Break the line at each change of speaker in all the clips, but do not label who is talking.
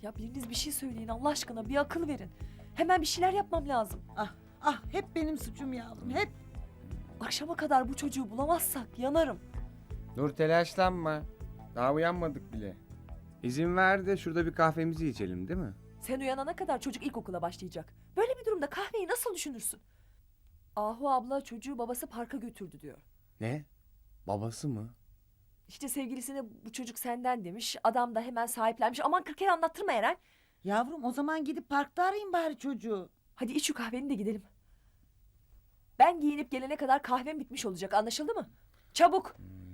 Ya biriniz bir şey söyleyin Allah aşkına, bir akıl verin. Hemen bir şeyler yapmam lazım.
Ah hep benim suçum yavrum hep.
Akşama kadar bu çocuğu bulamazsak yanarım.
Dur telaşlanma. Daha uyanmadık bile. İzin ver de şurada bir kahvemizi içelim değil mi?
Sen uyanana kadar çocuk ilkokula başlayacak. Böyle bir durumda kahveyi nasıl düşünürsün? Ahu abla çocuğu babası parka götürdü diyor.
Ne? Babası mı?
İşte sevgilisine bu çocuk senden demiş. Adam da hemen sahiplenmiş. Aman 40 kere anlattırma Eren.
Yavrum o zaman gidip parkta arayın bari çocuğu.
Hadi iç şu kahveni de gidelim. Ben giyinip gelene kadar kahvem bitmiş olacak, anlaşıldı mı? Çabuk.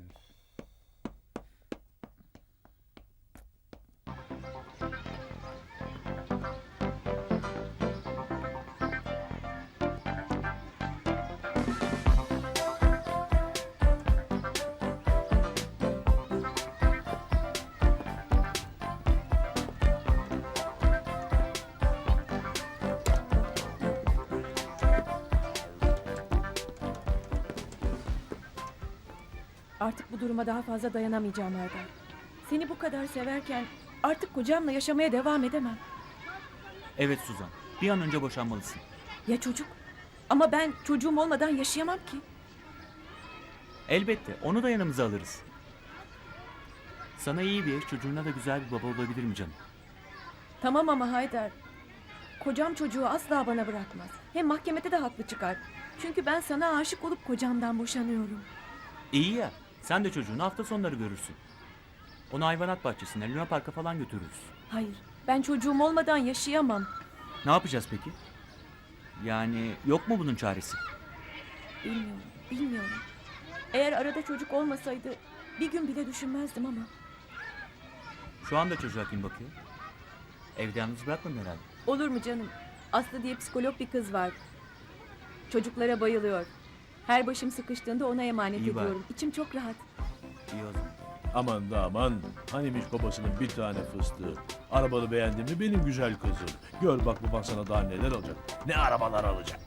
Artık bu duruma daha fazla dayanamayacağım Erdal. Seni bu kadar severken artık kocamla yaşamaya devam edemem.
Evet Suzan, bir an önce boşanmalısın.
Ya çocuk? Ama ben çocuğum olmadan yaşayamam ki.
Elbette, onu da yanımıza alırız. Sana iyi bir eş, çocuğuna da güzel bir baba olabilir mi canım?
Tamam ama Haydar. Kocam çocuğu asla bana bırakmaz. Hem mahkemede de haklı çıkar. Çünkü ben sana aşık olup kocamdan boşanıyorum.
İyi ya, sen de çocuğunu hafta sonları görürsün. Onu hayvanat bahçesine, Luna Park'a falan götürürüz.
Hayır, ben çocuğum olmadan yaşayamam.
Ne yapacağız peki? Yani yok mu bunun çaresi?
Bilmiyorum. Eğer arada çocuk olmasaydı bir gün bile düşünmezdim ama.
Şu anda çocuğa kim bakıyor? Evde yalnız bırakmadın herhalde.
Olur mu canım? Aslı diye psikolog bir kız var. Çocuklara bayılıyor. Her başım sıkıştığında ona emanet
İyi bari.
ediyorum. İçim çok rahat.
İyi o zaman.
Aman da aman. Hanimiş babasının bir tane fıstığı. Arabanı beğendin mi benim güzel kızım? Gör bak baban sana daha neler alacak. Ne arabalar alacak.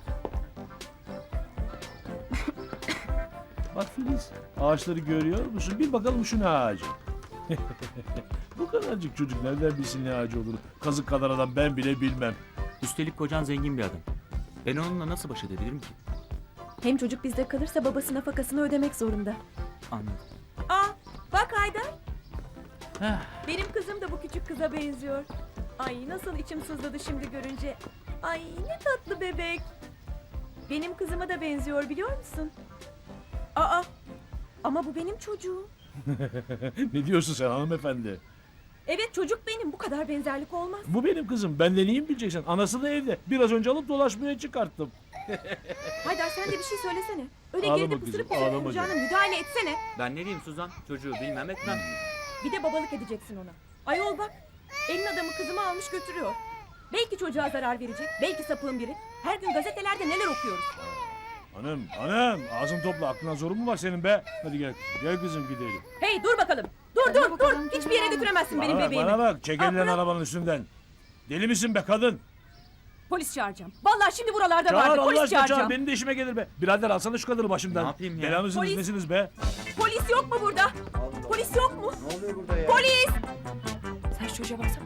Bak Filiz, ağaçları görüyor musun? Bir bakalım şu ne ağacı. Bu kadarcık çocuk nereden bilsin ne ağacı olur? Kazık kadar adam ben bile bilmem.
Üstelik kocan zengin bir adam. Ben onunla nasıl baş edebilirim ki?
Hem çocuk bizde kalırsa babası nafakasını ödemek zorunda.
Anladım.
Aa, bak Haydar. Benim kızım da bu küçük kıza benziyor. Ay nasıl içim sızladı şimdi görünce. Ay ne tatlı bebek. Benim kızıma da benziyor biliyor musun? Aa, ama bu benim çocuğum.
Ne diyorsun sen hanımefendi?
Evet çocuk benim, bu kadar benzerlik olmaz.
Bu benim kızım. Benden iyi mi bileceksin? Anası da evde. Biraz önce alıp dolaşmaya çıkarttım.
Haydar sen de bir şey söylesene. Öyle
Ağlama
geride
kızım,
pısırıp
ağlama
pısırıp kucağına müdahale etsene.
Ben ne diyeyim Suzan? Çocuğu bilmem etmem.
Bir de babalık edeceksin ona. Ayol bak, elin adamı kızımı almış götürüyor. Belki çocuğa zarar verecek, belki sapığın biri. Her gün gazetelerde neler okuyoruz.
Hanım ağzını topla. Aklına zorun mu var senin be? Hadi gel kızım, gel kızım gidelim.
Hey dur bakalım. Dur. Hiçbir yere götüremezsin benim bebeğimi.
Bana bak, çek
Aa,
elinden
bırak.
arabanın üstünden. Deli misin be kadın?
Polis çağıracağım. Vallahi şimdi buralarda
Çağır
vardı.
Allah
Polis
aşkına
çağıracağım.
çağır. Benim de işime gelir be. Birader alsana şu kadını başımdan.
Ne yapayım ya?
Bela mısınız
Polis.
nesiniz be?
Polis yok mu burada? Polis yok mu?
Ne oluyor burada ya?
Polis!
Sen şu çocuğa baksana.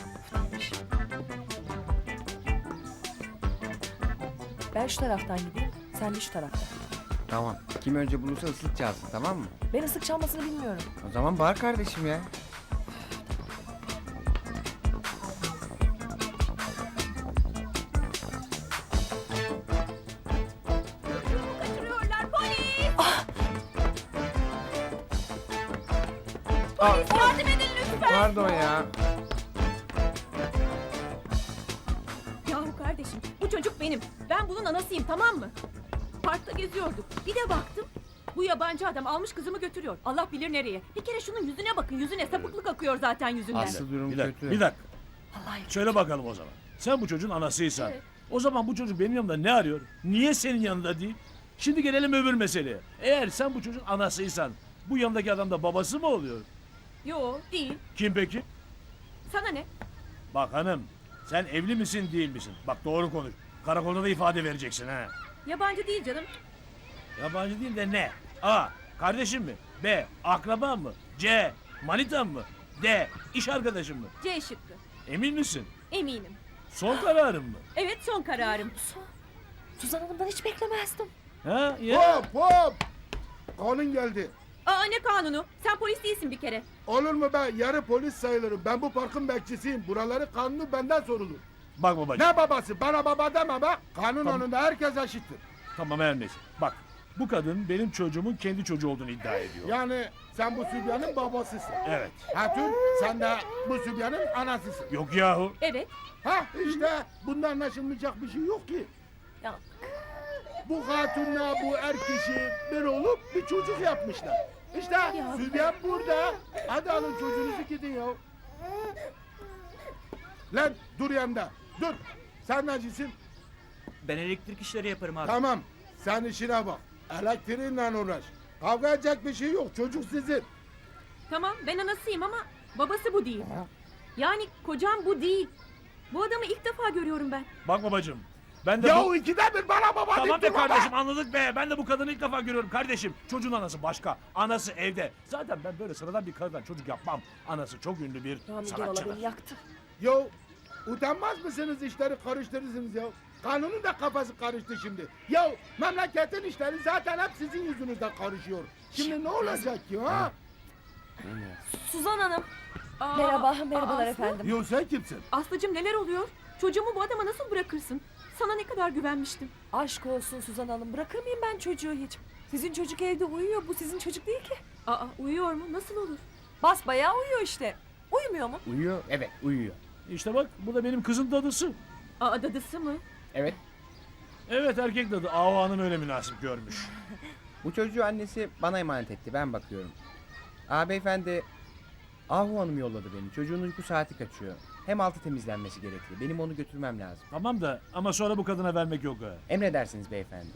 Ben şu taraftan gideyim, sen de şu taraftan.
Tamam. Kim önce bulursa ıslık çalsın tamam mı?
Ben ıslık çalmasını bilmiyorum.
O zaman bağır kardeşim ya.
Kaçırıyorlar polis!
Aa,
Yardım edin lütfen!
pardon ya.
Yahu kardeşim bu çocuk benim. Ben bunun anasıyım tamam mı? Parkta geziyorduk. Bir de baktım. Bu yabancı adam almış kızımı götürüyor. Allah bilir nereye. Bir kere şunun yüzüne bakın. Yüzüne sapıklık akıyor zaten yüzünden.
Aslı durum
Bir dakika,
kötü.
bir dakika.
Vallahi
Söyle bakalım o zaman. Sen bu çocuğun anasıysan.
Evet.
O zaman bu çocuk benim yanımda ne arıyor? Niye senin yanında değil? Şimdi gelelim öbür meseleye. Eğer sen bu çocuğun anasıysan, bu yanındaki adam da babası mı oluyor?
Yo değil.
Kim peki?
Sana ne?
Bak hanım, sen evli misin değil misin? Bak doğru konuş. Karakolda da ifade vereceksin ha.
Yabancı değil canım.
Yabancı değil de ne? A. Kardeşim mi? B. Akraban mı? C. Manitan mı? D. İş arkadaşın mı?
C şıkkı.
Emin misin?
Eminim.
Son kararın mı?
Evet, son kararım.
Suzan Hanım'dan hiç beklemezdim.
Ha ya.
Hop hop. Kanun geldi.
Aa, ne kanunu? Sen polis değilsin bir kere.
Olur mu ben yarı polis sayılırım. Ben bu parkın bekçisiyim. Buraları kanunu benden sorulur.
Bak babacığım.
Ne babası? Bana baba deme bak. Kanun
Tamam.
önünde herkes eşittir.
Tamam her neyse. Bak bu kadın benim çocuğumun kendi çocuğu olduğunu iddia ediyor.
Yani sen bu sübyanın babasısın.
Evet.
Hatun sen de bu sübyanın anasısın.
Yok yahu.
Evet.
Ha işte bunda anlaşılmayacak bir şey yok ki.
Ya
Bu hatunla bu er kişi bir olup bir çocuk yapmışlar. İşte sübyan burada. Hadi alın çocuğunuzu gidin ya. Lan dur yanında. Dur. Sen necisin?
Ben elektrik işleri yaparım abi.
Tamam. Sen işine bak. Elektriğinle uğraş. Kavga edecek bir şey yok. Çocuk sizin.
Tamam, ben anasıyım ama babası bu değil. Yani kocam bu değil. Bu adamı ilk defa görüyorum ben.
Bak babacığım. Ben de
Ya
bu...
ikide bir bana baba
Tamam
deyip
be
durma be.
kardeşim anladık be. Ben de bu kadını ilk defa görüyorum kardeşim. Çocuğun anası başka. Anası evde. Zaten ben böyle sıradan bir karıdan çocuk yapmam. Anası çok ünlü bir
Rami Gerala beni
sanatçıdır.
yaktı.
Ya utanmaz mısınız işleri karıştırırsınız ya? Kanunun da kafası karıştı şimdi. Ya memleketin işleri zaten hep sizin yüzünüzden karışıyor. Şimdi ne olacak ki ha?
Suzan Hanım.
Aa,
Merhabalar
Aslı?
efendim.
Yo sen kimsin?
Aslıcığım, neler oluyor? Çocuğumu bu adama nasıl bırakırsın? Sana ne kadar güvenmiştim.
Aşk olsun Suzan Hanım. Bırakır mıyım ben çocuğu hiç? Sizin çocuk evde uyuyor. Bu sizin çocuk değil ki.
Aa, uyuyor mu? Nasıl olur?
Basbayağı uyuyor işte. Uyumuyor mu?
Uyuyor. Evet uyuyor.
İşte bak bu da benim kızın dadısı.
Aa, dadısı mı?
Evet.
Evet erkek dadı. Ahu Hanım öyle münasip görmüş.
Bu çocuğu annesi bana emanet etti. Ben bakıyorum. Beyefendi Ahu Hanım yolladı beni. Çocuğun uyku saati kaçıyor. Hem altı temizlenmesi gerekiyor. Benim onu götürmem lazım.
Tamam da ama sonra bu kadına vermek yok ha.
Emredersiniz beyefendi.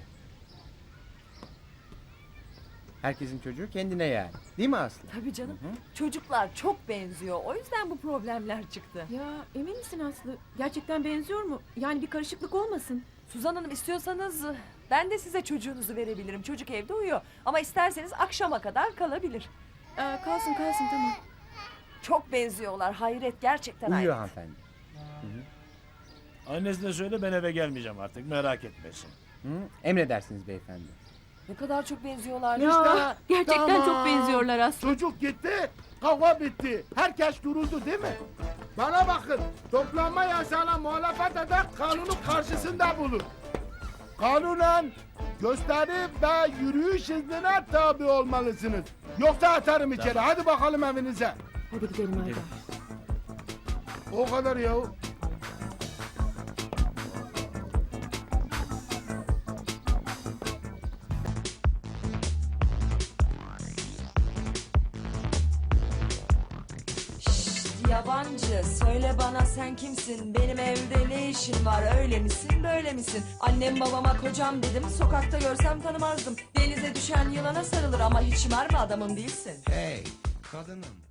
Herkesin çocuğu kendine yani. Değil mi Aslı?
Tabii canım. Çocuklar çok benziyor. O yüzden bu problemler çıktı.
Ya emin misin Aslı? Gerçekten benziyor mu? Yani bir karışıklık olmasın.
Suzan Hanım istiyorsanız ben de size çocuğunuzu verebilirim. Çocuk evde uyuyor. Ama isterseniz akşama kadar kalabilir.
Kalsın tamam.
Çok benziyorlar. Hayret gerçekten
Uyuyor
hayret.
hanımefendi.
Annesine söyle ben eve gelmeyeceğim artık merak etmesin.
Hı? Emredersiniz beyefendi.
Ne kadar çok benziyorlar.
Ya, gerçekten
tamam.
çok benziyorlar Aslı.
Çocuk gitti, kavga bitti. Herkes duruldu değil mi? Bana bakın, toplanma yasağına muhalefet eden kanunun karşısında bulun. Kanunen gösteri ve yürüyüş iznine tabi olmalısınız. Yoksa atarım içeri. Hadi bakalım evinize.
Hadi gidelim Haydar.
O kadar ya.
Yabancı söyle bana sen kimsin, benim evde ne işin var, öyle misin böyle misin? Annem babama kocam dedim, sokakta görsem tanımazdım. Denize düşen yılana sarılır ama hiç mermi adamım değilsin.
Hey kadınım.